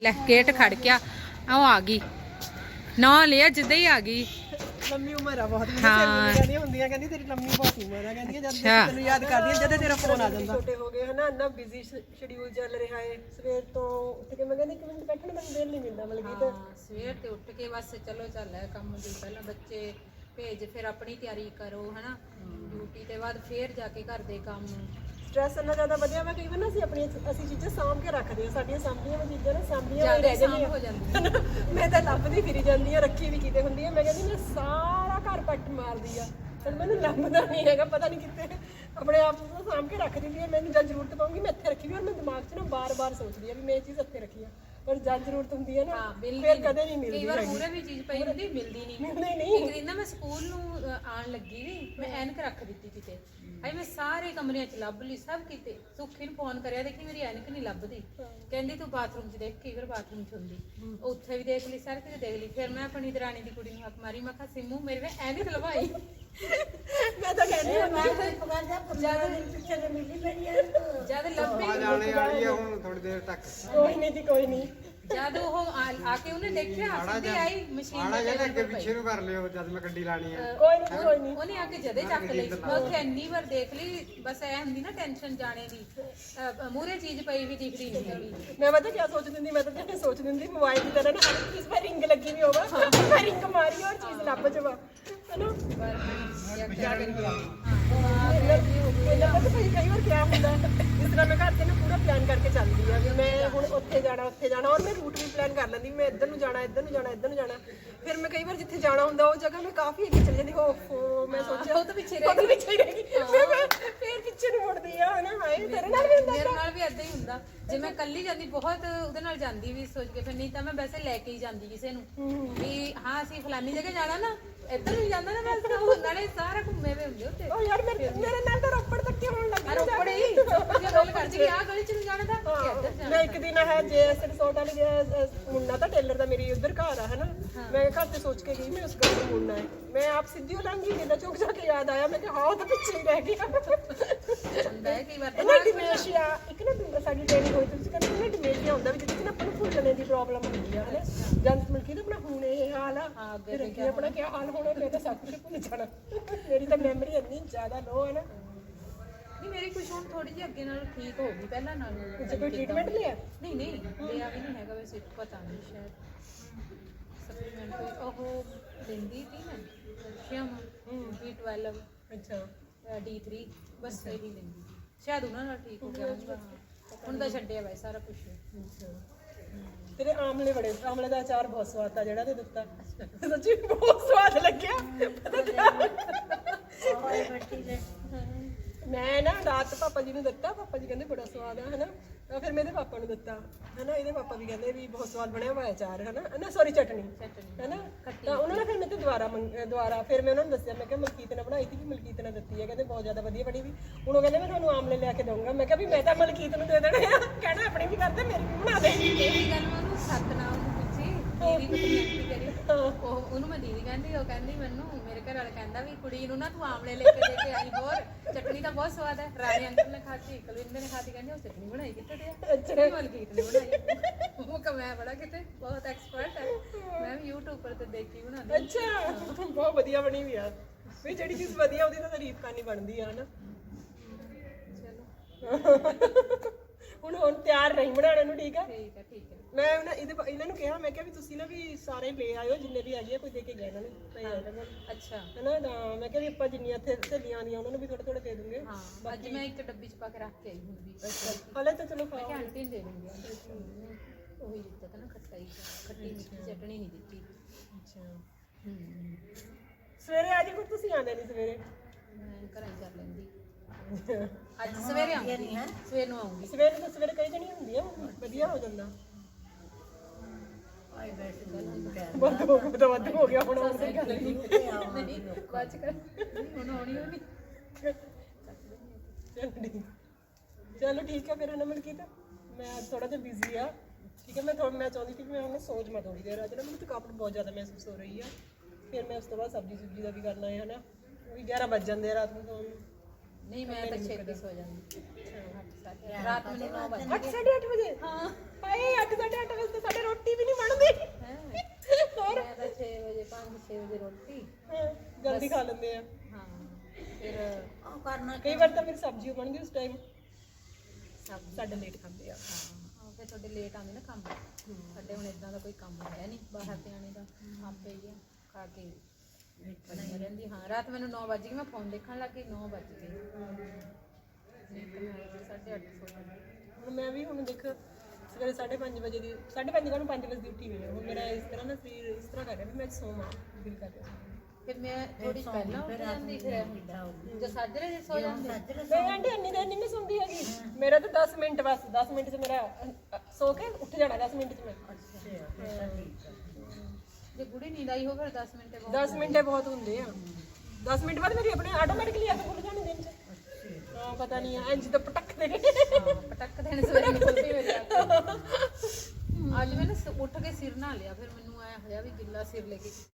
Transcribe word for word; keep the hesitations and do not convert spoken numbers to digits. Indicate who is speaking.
Speaker 1: ਲੈ ਗੇਟ ਖੜ ਗਿਆ ਉਹ ਆ ਗਈ ਨਾ ਲਿਆ ਜਿੱਦਾਂ ਹੀ ਆ ਗਈ
Speaker 2: ਲੰਮੀ ਉਮਰ ਆ ਬਹੁਤ ਮੈਨੂੰ ਸਹੇਲੀਆਂ ਕਹਿੰਦੀਆਂ ਹੁੰਦੀਆਂ ਕਹਿੰਦੀ ਤੇਰੀ ਲੰਮੀ ਬਹੁਤ ਉਮਰ ਆ ਕਹਿੰਦੀ ਜਦ ਤੈਨੂੰ ਯਾਦ ਕਰਦੀ ਆ ਜਦੋਂ ਤੇਰਾ ਫੋਨ ਆ ਜਾਂਦਾ ਛੋਟੇ ਹੋ ਗਏ ਹਨਾ ਇੰਨਾ ਬਿਜ਼ੀ ਸ਼ਡਿਊਲ ਚੱਲ ਰਿਹਾ ਹੈ ਸਵੇਰ ਤੋਂ ਉੱਠ ਕੇ ਮੈਂ ਕਹਿੰਦੀ ਇੱਕ ਮਿੰਟ ਬੈਠਣ ਦਾ ਦਿਲ ਨਹੀਂ ਮਿਲਦਾ ਮਤਲਬ ਕਿ
Speaker 1: ਸਵੇਰ ਤੇ ਉੱਠ ਕੇ ਬਸ ਚਲੋ ਚੱਲ ਹੈ ਕੰਮ ਦੀ ਪਹਿਲਾਂ ਬੱਚੇ ਭੇਜ ਫਿਰ ਆਪਣੀ ਤਿਆਰੀ ਕਰੋ ਹਨਾ ਡਿਊਟੀ ਤੇ ਬਾਅਦ ਫੇਰ ਜਾ ਕੇ ਘਰ ਦੇ ਕੰਮ
Speaker 2: ਸਟ੍ਰੈਸ ਇੰਨਾ ਜ਼ਿਆਦਾ ਵਧਿਆ ਵਾ ਕਈ ਵਾਰ ਨਾ ਅਸੀਂ ਆਪਣੀ ਅਸੀਂ ਚੀਜ਼ਾਂ ਸਾਂਭ ਕੇ ਰੱਖਦੇ ਹਾਂ ਸਾਡੀਆਂ ਸਾਂਭੀਆਂ ਹੋਈਆਂ ਚੀਜ਼ਾਂ ਨਾ ਸਾਂਭੀਆਂ ਹੋਈਆਂ ਰਹਿ ਜਾਂਦੀਆਂ
Speaker 1: ਹੋ ਜਾਂਦੀਆਂ
Speaker 2: ਮੈਂ ਤਾਂ ਲੱਭਦੀ ਫਿਰੀ ਜਾਂਦੀ ਆ ਰੱਖੀ ਵੀ ਕਿਤੇ ਹੁੰਦੀ ਆ ਮੈਂ ਕਹਿੰਦੀ ਮੈਂ ਸਾਰਾ ਘਰ ਪੱਟ ਮਾਰਦੀ ਆ ਪਰ ਮੈਨੂੰ ਲੱਭਦਾ ਨਹੀਂ ਹੈਗਾ ਪਤਾ ਨਹੀਂ ਕਿੱਥੇ ਆਪਣੇ ਆਪ ਨੂੰ ਸਾਂਭ ਕੇ ਰੱਖ ਦਿੰਦੀ ਆ ਮੈਨੂੰ ਜਦ ਜ਼ਰੂਰਤ ਪਊਗੀ ਮੈਂ ਇੱਥੇ ਰੱਖੀ ਵੀ ਔਰ ਮੈਂ ਦਿਮਾਗ 'ਚ ਨਾ ਬਾਰ-ਬਾਰ ਸੋਚਦੀ ਆ ਵੀ ਮੈਂ ਇਹ ਚੀਜ਼ ਇੱਥੇ ਰੱਖੀ ਆ ਪਰ ਜਦ ਜ਼ਰੂਰਤ ਹੁੰਦੀ ਹੈ ਨਾ ਫਿਰ ਕਦੇ ਨਹੀਂ ਮਿਲਦੀ
Speaker 1: ਕਈ ਵਾਰ ਪੂਰੇ ਵੀ ਚੀਜ਼ ਪਈ ਹੁੰਦੀ ਮਿਲਦੀ ਨਹੀਂ
Speaker 2: ਮਿਲਦੀ ਨਹੀਂ
Speaker 1: ਇੱਕ ਦਿਨ ਨਾ ਮੈਂ ਸਕੂਲ ਨੂੰ ਆਣ ਲੱਗੀ ਵੀ ਮੈਂ ਐਨਕ ਰੱਖ ਦਿੱਤੀ ਕਿਤੇ ਆਈ ਮੈਂ ਸਾਰੇ ਕਮਰਿਆਂ 'ਚ ਲੱਭ ਲਈ ਸਭ ਕਿਤੇ ਸੁੱਖੀ ਨੂੰ ਫੋਨ ਕਰਿਆ ਦੇਖੀ ਮੇਰੀ ਐਨਕ ਨਹੀਂ ਲੱਭਦੀ ਕਹਿੰਦੀ ਤੂੰ ਬਾਥਰੂਮ 'ਚ ਦੇਖ ਕਈ ਵਾਰ ਬਾਥਰੂਮ 'ਚ ਹੁੰਦੀ ਉੱਥੇ ਵੀ ਦੇਖ ਲਈ ਸਾਰੇ ਕਿਤੇ ਦੇਖ ਲਈ ਫਿਰ ਮੈਂ ਆਪਣੀ ਦਰਾਣੀ ਦੀ ਕੁੜੀ ਨੂੰ ਹੱਥ ਮਾਰੀ ਮੈਂ ਕਿਹਾ ਸਿੰਮੂ ਮੇਰੇ ਵੇ ਐਨਕ ਲਵਾਈ
Speaker 2: ਮੈਂ ਤਾਂ ਕਹਿੰਦੀ ਹਾਂ ਮੈਂ
Speaker 1: ਜਦ ਲੱਭੀ
Speaker 3: ਜਾਣੇ ਵਾਲੀ ਆ ਹੁਣ ਥੋੜੀ ਦੇਰ ਤੱਕ
Speaker 2: ਕੋਈ ਨਹੀਂ ਜੀ ਕੋਈ ਨਹੀਂ
Speaker 1: ਜਦ ਉਹ ਆ ਕੇ ਉਹਨੇ ਦੇਖਿਆ ਸਿੱਧੀ ਆਈ ਮਸ਼ੀਨ
Speaker 3: ਆੜਾ ਜਿਹੜਾ ਅੱਗੇ ਪਿੱਛੇ ਨੂੰ ਕਰ ਲਿਓ ਜਦ ਮੈਂ ਗੱਡੀ ਲਾਣੀ ਆ
Speaker 2: ਕੋਈ ਨਹੀਂ ਕੋਈ ਨਹੀਂ
Speaker 1: ਉਹਨੇ ਆ ਕੇ ਜਦੇ ਚੱਕ ਲਈ ਮੈਂ ਉੱਥੇ ਇੰਨੀ ਵਾਰ ਦੇਖ ਲਈ ਬਸ ਐ ਹੁੰਦੀ ਨਾ ਟੈਨਸ਼ਨ ਜਾਣੇ ਦੀ ਮੂਰੇ ਚੀਜ਼ ਪਈ ਵੀ ਦਿਖਦੀ ਨਹੀਂ ਹੈਗੀ
Speaker 2: ਮੈਂ ਪਤਾ ਕੀ ਸੋਚ ਦਿੰਦੀ ਮੈਂ ਤਾਂ ਜਿਵੇਂ ਸੋਚ ਦਿੰਦੀ ਮੋਬਾਈਲ ਦੀ ਤਰ੍ਹਾਂ ਨਾ ਹਰ ਚੀਜ਼ 'ਤੇ ਰਿੰਗ ਲੱਗੀ ਵੀ ਹੋਵੇ ਮੈਂ ਰਿੰਗ ਮਾਰੀ ਔਰ ਚੀਜ਼ ਲੱਭ ਜਾਵਾ ਹੈਨਾ
Speaker 1: ਪਰ
Speaker 2: ਕਿਆ ਕਰੀਏ ਇਹਨਾਂ ਪਤਾ ਕਈ ਵਾਰ ਕਿਆ ਹੁੰਦਾ ਇਸ ਤਰ੍ਹਾਂ ਮੈਂ ਘਰ ਤੇ ਨਾ ਪੂਰਾ ਪਲਾਨ ਕਰਕੇ ਚੱਲਦੀ ਆ ਵੀ ਮੈਂ ਹੁਣ ਉੱਥੇ ਜਾਣਾ ਉੱਥੇ ਜਾਣਾ ਔਰ ਮੈਂ ਰੂਟ ਵੀ ਪਲਾਨ ਕਰ ਲੈਂਦੀ ਮੈਂ ਇੱਧਰ ਨੂੰ ਜਾਣਾ ਇੱਧਰ ਨੂੰ ਜਾਣਾ ਇੱਧਰ ਨੂੰ ਜਾਣਾ ਫਿਰ ਮੈਂ ਕਈ ਵਾਰ ਜਿੱਥੇ ਜਾਣਾ ਹੁੰਦਾ ਉਹ ਜਗ੍ਹਾ ਮੈਂ ਕਾਫੀ ਅੱਗੇ ਚਲੀ ਜਾਂਦੀ ਓਫੋ ਮੈਂ ਸੋਚਿਆ
Speaker 1: ਉਹ ਤਾਂ ਪਿੱਛੇ ਰਹਿ
Speaker 2: ਗਈ ਪਿੱਛੇ ਰਹਿ ਗਈ ਫਿਰ ਮੈਂ ਫਿਰ ਪਿੱਛੇ ਨੂੰ ਮੁੜਦੀ ਆ ਹਨਾ ਹਾਏ ਤੇਰੇ ਨਾਲ ਵੀ ਹੁੰਦਾ
Speaker 1: ਮੇਰੇ ਨਾਲ ਵੀ ਏਦਾਂ ਹੀ ਹੁੰਦਾ ਜੇ ਮੈਂ ਇਕੱਲੀ ਜਾਂਦੀ ਬਹੁਤ ਉਹਦੇ ਨਾਲ ਜਾਂਦੀ ਵੀ ਸੋਚ ਕੇ ਫਿਰ ਨਹੀਂ ਤਾਂ ਮੈਂ ਵੈਸੇ ਲੈ ਕੇ ਹੀ ਜਾਂਦੀ ਕਿਸੇ ਨੂੰ ਵੀ ਹਾਂ ਅਸੀਂ ਫਲਾਨੀ ਜਗ੍ਹਾ ਜਾਣਾ ਨਾ ਇੱਧਰ ਨੂੰ ਜਾਂਦਾ ਨਾ ਮੈਂ ਉਹ ਨਾਲੇ ਸਾਰਾ ਘੁੰਮੇ ਵੇ ਹੁੰਦੇ ਉੱਤੇ
Speaker 2: ਉਹ ਯਾਰ ਮੇਰੇ ਮੇਰੇ ਨਾਲ ਤਾਂ ਰੋਪੜ ਤੱਕ ਹੋਣ ਲੱਗੀ
Speaker 1: ਰੋਪੜ ਹੀ ਜੇ ਗੱਲ ਕਰਦੀ ਕਿ ਆਹ ਗਲੀ ਚ ਨੂੰ ਜਾਣਾ ਤਾਂ ਇੱਧਰ ਜਾਣਾ
Speaker 2: ਮੈਂ ਇੱਕ ਦਿਨ ਹੈ ਜੇ ਐਸ ਰਿਸੋਰਟ ਵਾਲੀ ਗਿਆ ਮੁੰਨਾ ਤਾਂ ਟੇਲਰ ਦਾ ਮੇਰੀ ਉਧਰ ਘਰ ਆ ਹਨਾ ਮੈਂ ਘਰ ਤੇ ਸੋਚ ਕੇ ਗਈ ਮੈਂ ਉਸ ਘਰ ਨੂੰ ਮੁੰਨਾ ਹੈ ਮੈਂ ਆਪ ਸਿੱਧੀ ਹੋ ਲਾਂਗੀ ਮੇਰਾ ਚੌਕ ਜਾ ਕੇ ਯਾਦ ਆਇਆ ਮੈਂ ਕਿ ਹਾਂ ਉਹ ਤਾਂ ਪਿੱਛੇ ਹੀ ਰਹਿ ਗਿਆ
Speaker 1: ਹੁੰਦਾ ਹੈ ਕਈ ਵਾਰ
Speaker 2: ਇਹਨਾਂ ਡਿਮੇਸ਼ੀਆ ਇੱਕ ਨਾ ਸਾਡੀ ਟ੍ਰੇਨਿੰਗ ਹੋਈ ਤੁਸੀਂ ਕਹਿੰਦੇ ਨਾ ਡਿਮੇਸ਼ੀਆ ਹੁੰਦਾ ਵੀ ਜਿੱਥੇ ਨਾ ਆਪਾਂ ਨੂੰ ਭੁੱਲਣੇ ਦੀ ਪ੍ਰੋਬਲਮ ਹੁੰਦੀ ਆ ਹਨਾ ਜਦ ਮਿਲ ਕੇ ਨਾ ਆਪਣਾ ਹੁਣ ਇਹ ਹਾਲ ਆ ਫਿਰ ਅੱਗੇ ਆਪਣਾ ਕੀ ਹਾਲ ਹੋਣਾ ਮੈਂ ਤਾਂ ਸਭ ਕੁਝ ਭੁੱਲ ਜਾਣਾ ਮੇਰੀ ਤਾਂ ਮੈਮਰੀ ਇੰਨੀ ਜ਼ਿਆਦਾ ਲੋ ਹੈ ਨਾ
Speaker 1: ਨਹੀਂ ਮੇਰੀ ਕੁਝ ਹੁਣ ਥੋੜੀ ਜਿਹੀ ਅੱਗੇ ਨਾਲ ਠੀਕ ਹੋ ਗਈ ਪਹਿਲਾਂ ਨਾਲੋਂ
Speaker 2: ਤੁਸੀਂ ਕੋਈ ਟ੍ਰੀਟਮੈਂਟ ਲਿਆ
Speaker 1: ਨਹੀਂ ਨਹੀਂ ਲਿਆ ਵੀ ਨਹੀਂ ਹੈਗਾ ਵੈਸੇ ਪਤਾ ਨਹੀਂ ਸ਼ਾਇਦ ਸਪਲੀਮੈਂਟ ਕੋਈ ਉਹ ਦਿੰਦੀ ਸੀ ਨਾ ਕੈਲਸ਼ੀਅਮ ਬੀ ਬਾਰਾਂ
Speaker 2: ਅੱਛਾ
Speaker 1: ਡੀ ਥ੍ਰੀ ਬਸ ਇਹੀ ਲੈਂਦੀ ਸੀ ਸ਼ਾਇਦ ਉਹਨਾਂ ਨਾਲ ਠੀਕ ਹੋ ਗਿਆ ਹੋਊਗਾ ਹੁਣ ਤਾਂ ਛੱਡਿਆ ਵੈ ਸਾਰਾ ਕੁਝ
Speaker 2: ਤੇਰੇ ਆਮਲੇ ਬੜੇ ਆਮਲੇ ਦਾ ਅਚਾਰ ਬਹੁਤ ਸਵਾਦ ਆ ਜਿਹੜਾ ਤੇ ਦਿੱਤਾ ਸੱਚੀ ਬਹੁਤ ਸਵਾਦ ਲੱਗਿਆ ਮੈਂ ਨਾ ਰਾਤ ਪਾਪਾ ਜੀ ਨੂੰ ਦਿੱਤਾ ਪਾਪਾ ਜੀ ਕਹਿੰਦੇ ਬੜਾ ਸਵਾਦ ਆ ਹਨਾ ਤਾਂ ਫਿਰ ਮੇਰੇ ਪਾਪਾ ਨੂੰ ਦਿੱਤਾ ਹਨਾ ਇਹਦੇ ਪਾਪਾ ਵੀ ਕਹਿੰਦੇ ਵੀ ਬਹੁਤ ਸਵਾਦ ਬਣਿਆ ਹੋਇਆ ਅਚਾਰ ਹਨਾ ਨਾ ਸੌਰੀ ਚਟਨੀ ਹਨਾ ਤਾਂ ਉਹਨਾਂ ਨੇ ਫਿਰ ਮੇਰੇ ਤੋਂ ਦੁਬਾਰਾ ਦੁਬਾਰਾ ਫਿਰ ਮੈਂ ਉਹਨਾਂ ਨੂੰ ਦੱਸਿਆ ਮੈਂ ਕਿਹਾ ਮਲਕੀਤ ਨੇ ਬਣਾਈ ਸੀ ਵੀ ਮਲਕੀਤ ਨੇ ਦਿੱਤੀ ਹੈ ਕਹਿੰਦੇ ਬਹੁਤ ਜ਼ਿਆਦਾ ਵਧੀਆ ਬਣੀ ਵੀ ਹੁਣ ਉਹ ਕਹਿੰਦੇ ਮੈਂ ਤੁਹਾਨੂੰ ਆਮਲੇ ਲਿਆ ਕੇ ਦਊਂਗਾ ਮੈਂ ਕਿਹਾ ਵੀ ਮੈਂ ਤਾਂ ਮਲਕੀਤ ਨੂੰ ਦੇ ਦੇਣੇ ਆ ਕਹਿਣਾ ਆਪਣੀ ਵੀ ਕਰਦੇ ਮੇਰੀ ਵੀ ਬਣਾ ਦੇ
Speaker 1: ਇਹ ਗੱਲ ਮੈਂ ਉਹਨੂੰ ਸਤਨਾਮ ਨੂੰ ਪੁੱਛੀ ਦੀਦੀ ਨੂੰ ਕਨੈਕਟ ਕਰੀ ਉਹ ਉਹਨੂੰ ਮੈਂ ਦੀਦੀ ਕਹਿੰਦੀ ਉਹ ਕਹਿੰਦੀ ਮੈਨੂੰ ਮੇਰੇ ਘਰ ਵਾਲਾ ਕਹਿੰਦਾ ਵੀ ਕੁੜੀ ਨੂੰ ਨਾ ਤੂੰ ਆਮਲੇ ਲੈ ਕੇ ਦੇ ਕੇ ਆਈ ਹੋਰ ਚਟਨੀ ਤਾਂ ਬਹੁਤ ਸਵਾਦ ਹੈ ਰਾਣੀ ਅੰਕਲ ਨੇ ਖਾਧੀ ਕੁਲਵਿੰਦਰ ਨੇ ਖਾਧੀ ਕਹਿੰਦੀ ਉਹ ਚਟਨੀ ਬਣਾਈ ਕਿੱਥੇ ਤੇ ਆ ਅੱਛਾ ਮਲਕੀਤ ਨੇ ਬਣਾਈ ਉਹ ਕਹ ਮੈਂ ਬੜਾ ਕਿਤੇ ਬਹੁਤ ਐਕਸਪਰਟ ਹੈ ਮੈਂ ਵੀ YouTube ਪਰ ਤੇ ਦੇਖ ਕੇ ਬਣਾਉਂਦੀ
Speaker 2: ਅੱਛਾ ਬਹੁਤ ਵਧੀਆ ਬਣੀ ਵੀ ਆ ਵੀ ਜਿਹੜੀ ਚੀਜ਼ ਵਧੀਆ ਉਹਦੀ ਤਾਂ ਤਾਰੀਫ ਕਰਨੀ ਬਣਦੀ ਆ ਹਨਾ
Speaker 1: ਚਲੋ
Speaker 2: ਹੁਣ ਹੁਣ ਤਿਆਰ ਰਹੀ ਬਣਾਉਣੇ ਨੂੰ ਠੀਕ ਆ
Speaker 1: ਠੀਕ ਹੈ ਠੀਕ ਹੈ
Speaker 2: ਮੈਂ ਉਹਨਾਂ ਇਹਦੇ ਇਹਨਾਂ ਨੂੰ ਕਿਹਾ ਮੈਂ ਕਿਹਾ ਵੀ ਤੁਸੀਂ ਨਾ ਵੀ ਸਾਰੇ ਲੈ ਆਇਓ ਜਿੰਨੇ ਵੀ ਹੈਗੇ ਆ ਕੋਈ ਦੇ ਕੇ ਗਏ ਇਹਨਾਂ ਨੂੰ ਪਏ ਆ ਇਹਨਾਂ ਨੂੰ
Speaker 1: ਅੱਛਾ
Speaker 2: ਹਨਾ ਤਾਂ ਮੈਂ ਕਿਹਾ ਵੀ ਆਪਾਂ ਜਿੰਨੀਆਂ ਇੱਥੇ ਸਹੇਲੀਆਂ ਆਉਂਦੀਆਂ ਉਹਨਾਂ ਨੂੰ ਵੀ ਥੋੜੇ ਥੋੜੇ ਦੇ ਦੂੰਗੇ
Speaker 1: ਹਾਂ ਅੱਜ ਮੈਂ ਇੱਕ ਡੱਬੀ ਚ ਪਾ ਕੇ ਰੱਖ ਕੇ ਆਈ ਹੁਣ ਵੀ
Speaker 2: ਹਲੇ ਤਾਂ ਚਲੋ
Speaker 1: ਮੈਂ
Speaker 2: ਖਾਓ
Speaker 1: ਕਿਹਾ ਆਂਟੀ ਨੂੰ ਦੇ ਦੂੰਗੀ ਉਹੀ ਦਿੱਤਾ ਤਾਂ ਨਾ ਖੱਟਾਈ ਖੱਟੀ ਮਿੱਠੀ ਚਟਣੀ ਨਹੀਂ ਦਿੱਤੀ
Speaker 2: ਅੱਛਾ
Speaker 1: ਹੂੰ
Speaker 2: ਸਵੇਰੇ ਆ ਜੀ ਫਿਰ ਤੁਸੀਂ ਆਉਂਦੇ ਨਹੀਂ ਸਵੇਰੇ
Speaker 1: ਮੈਂ ਘਰਾਂ ਹੀ ਕਰ ਲੈਂਦੀ ਅੱਜ ਸਵੇਰੇ ਆਉਂਗੀ ਸਵੇਰ ਨੂੰ ਆਉਂਗੀ
Speaker 2: ਸਵੇਰੇ ਤਾਂ ਸਵੇਰੇ ਕਈ ਜਣੀ ਹੁੰਦੀ ਆ ਵਧੀਆ ਹੋ ਜਾਂਦਾ ਵੱਧ ਹੋ ਗਿਆ ਤਾਂ ਵੱਧ ਹੋ ਗਿਆ ਹੁਣ ਆਉਣ ਦੀ ਗੱਲ ਨਹੀਂ
Speaker 1: ਬਾਅਦ ਕਰ ਹੁਣ ਆਉਣੀ ਹੋਣੀ
Speaker 2: ਚਲੋ ਠੀਕ ਹੈ ਫਿਰ ਨਮਨ ਕੀਤਾ ਮੈਂ ਥੋੜਾ ਜਿਹਾ ਬਿਜ਼ੀ ਆ ਠੀਕ ਹੈ ਮੈਂ ਥੋੜਾ ਮੈਂ ਚਾਹੁੰਦੀ ਸੀ ਕਿ ਮੈਂ ਹੁਣ ਸੋਚ ਮੈਂ ਥੋੜੀ ਦੇਰ ਅੱਜ ਨਾ ਮੈਨੂੰ ਥਕਾਵਟ ਬਹੁਤ ਜ਼ਿਆਦਾ ਮਹਿਸੂਸ ਹੋ ਰਹੀ ਆ ਫਿਰ ਮੈਂ ਉਸ ਤੋਂ ਬਾਅਦ ਸਬਜ਼ੀ ਸੁਬਜ਼ੀ ਦਾ ਵੀ ਕਰਨਾ ਹੈ ਹਨਾ ਉਹ ਵੀ ਗਿਆਰਾਂ ਵੱਜ ਜਾਂਦੇ ਆ ਰਾਤ ਨੂੰ ਸੌਣ ਨੂੰ
Speaker 1: ਨਹੀਂ ਮੈਂ ਤਾਂ ਛੇਤੀ ਸੋ ਜਾਂਦੀ ਰਾਤ ਨੂੰ ਨੌ ਵਜੇ
Speaker 2: ਅੱਠ ਸਾਢੇ ਅੱਠ ਵਜੇ
Speaker 1: ਹਾਂ
Speaker 2: ਹਾਏ ਅੱਠ ਸਾਢੇ ਅੱਠ ਵਜੇ ਤੇ ਸਾਡੇ ਰੋਟੀ ਵੀ ਨਹੀਂ ਬਣਦੀ
Speaker 1: ਹੈ
Speaker 2: ਹੋਰ
Speaker 1: ਮੈਂ ਤਾਂ ਛੇ ਵਜੇ ਪੰਜ ਛੇ ਵਜੇ ਰੋਟੀ
Speaker 2: ਹਾਂ, ਜਲਦੀ ਖਾ ਲੈਂਦੇ ਆ
Speaker 1: ਹਾਂ ਫਿਰ
Speaker 4: ਉਹ ਕਰਨਾ
Speaker 2: ਕਈ ਵਾਰ ਤਾਂ ਮੇਰੀ ਸਬਜ਼ੀ ਬਣਦੀ ਉਸ ਟਾਈਮ
Speaker 1: ਸਬਜ਼ੀ
Speaker 2: ਸਾਡੇ ਲੇਟ ਖਾਂਦੇ ਆ
Speaker 1: ਹਾਂ ਫਿਰ ਤੁਹਾਡੇ ਲੇਟ ਆਉਂਦੇ ਨਾ ਕੰਮ ਸਾਡੇ ਹੁਣ ਇਦਾਂ ਦਾ ਕੋਈ ਕੰਮ ਹੈ ਨਹੀਂ ਬਾਹਰ ਤੇ ਆਣੇ ਦਾ ਆਪੇ ਹੀ ਆ ਖਾ ਕੇ ਬਣੀ ਰਹਿੰਦੀ ਹਾਂ ਰਾਤ ਮੈਨੂੰ ਨੌ ਵਜੇ ਗਏ ਮੈਂ ਫੋਨ ਦੇਖਣ ਲੱਗੀ ਨੌ ਵਜ ਗਏ ਨੀਂਦ ਮੈਂ ਆਈ ਸੀ ਸਾਢੇ ਅੱਠ ਸੌ
Speaker 2: ਹੁਣ ਮੈਂ ਵੀ ਹੁਣ ਦੇਖ ਸਵੇਰੇ ਸਾਢੇ ਪੰਜ ਵਜੇ ਦੀ ਸਾਢੇ ਪੰਜ ਨੂੰ ਪੰਜ ਵਜੇ ਦੀ ਉੱਠੀ ਹੋਈ ਹਾਂ ਹੁਣ ਮੇਰਾ ਇਸ ਤਰ੍ਹਾਂ ਨਾ ਸਰੀਰ ਇਸ ਤਰ੍ਹਾਂ ਕਰ ਰਿਹਾ ਵੀ ਮੈਂ ਅੱਜ ਸੋਵਾਂ ਦਿਲ ਕਰ ਰਿਹਾ
Speaker 1: ਫਿਰ ਮੈਂ ਥੋੜੀ ਪਹਿਲਾਂ ਉੱਠ ਜਾਂਦੀ ਫਿਰ ਜੋ ਸਾਜਰੇ ਜੇ ਸੋ ਜਾਂਦੇ
Speaker 2: ਮੈਂ ਆਂਟੀ ਇੰਨੀ ਦੇਰ ਨਹੀਂ ਮੈਂ ਸੌਂਦੀ ਹੈਗੀ ਮੇਰਾ ਤਾਂ ਦਸ ਮਿੰਟ ਬਸ ਦਸ ਮਿੰਟ 'ਚ ਮੇਰਾ ਅ, ਅ, ਸੋ ਕੇ ਉੱਠ ਜਾਣਾ ਦਸ ਮਿੰਟ 'ਚ ਮੈਂ
Speaker 1: ਜੇ ਗੁੜੀ ਨੀਂਦ ਆਈ ਹੋ ਫਿਰ ਦਸ ਮਿੰਟ ਬਾਅਦ
Speaker 2: ਦਸ ਮਿੰਟੇ ਬਹੁਤ ਹੁੰਦੇ ਆ ਦਸ ਮਿੰਟ ਬਾਅਦ ਮੇਰੀ ਆਪਣੇ ਆਟੋਮੈਟਿਕਲੀ ਅੱਖ ਖੁੱਲ ਜਾਣੀ ਦਿਨ 'ਚ ਹਾਂ ਪਤਾ ਨਹੀਂ ਆ ਇੰਜ ਤਾਂ ਪਟਕ ਦੇ
Speaker 1: ਹਾਂ, ਪਟਕ ਦੇਣ ਸਵੇਰੇ ਨਿਕਲਦੀ ਮੇਰੀ ਅੱਖ। ਅੱਜ ਮੈਂ ਨਾ ਸ- ਉੱਠ ਕੇ ਸਿਰ ਨਹਾ ਲਿਆ ਫਿਰ ਮੈਨੂੰ ਆਇਆ ਹੋਇਆ ਵੀ ਗਿੱਲਾ ਸਿਰ ਲੈ ਕੇ